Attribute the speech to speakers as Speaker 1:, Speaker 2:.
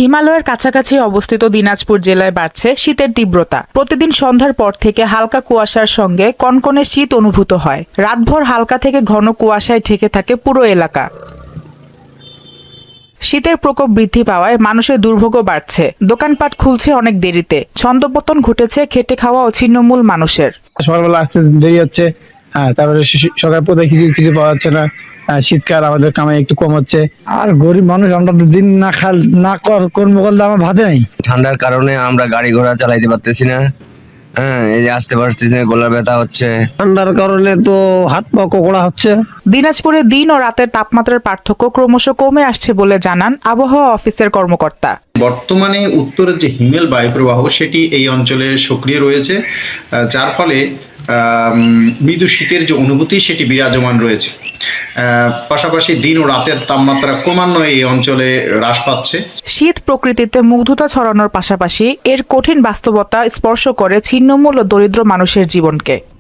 Speaker 1: হিমালয়ের কাছাকাছি অবস্থিত দিনাজপুর জেলায় বাড়ছে শীতের তীব্রতা। প্রতিদিন সন্ধ্যার পর থেকে হালকা কুয়াশার সঙ্গে কনকনে শীত অনুভূত হয়। রাতভর হালকা থেকে ঘন কুয়াশায় ঢেকে থাকে পুরো এলাকা। শীতের প্রকোপ বৃদ্ধি পাওয়ায় মানুষের দুর্ভোগ বাড়ছে। দোকানপাট খুলছে অনেক দেরিতে। ছন্দপতন ঘটেছে খেটে খাওয়া ও ছিন্নমূল মানুষের।
Speaker 2: সকালবেলা আসতে দেরি হচ্ছে, তারপরে সকাল পথে কিছু পাওয়া যাচ্ছে না। শীতকাল, আমাদের কামাই একটু কম হচ্ছে। আর গরিব মানুষ, আমরা তো দিন না কর্ম করলে আমার ভাতে নাই।
Speaker 3: ঠান্ডার কারণে আমরা গাড়ি ঘোড়া চালাইতে পারতেছি না। এই যে আসতে পারতেছি না, গলার ব্যথা হচ্ছে।
Speaker 2: ঠান্ডার কারণে তো হাত পা কোকড়া হচ্ছে।
Speaker 1: দিনাজপুরে দিন ও রাতের তাপমাত্রার পার্থক্য ক্রমশ কমে আসছে বলে জানান আবহাওয়া অফিসের কর্মকর্তা।
Speaker 4: বর্তমানে উত্তরের যে হিমেল বায়ুপ্রবাহ সেটি এই অঞ্চলে সক্রিয় রয়েছে, যার ফলে মৃদু শীতের যে অনুভূতি সেটি বিরাজমান রয়েছে। পাশাপাশি দিন ও রাতের তাপমাত্রা ক্রমান্বয়ে এই অঞ্চলে হ্রাস পাচ্ছে।
Speaker 1: শীত প্রকৃতিতে মুগ্ধতা ছড়ানোর পাশাপাশি এর কঠিন বাস্তবতা স্পর্শ করে ছিন্নমূল ও দরিদ্র মানুষের জীবনকে।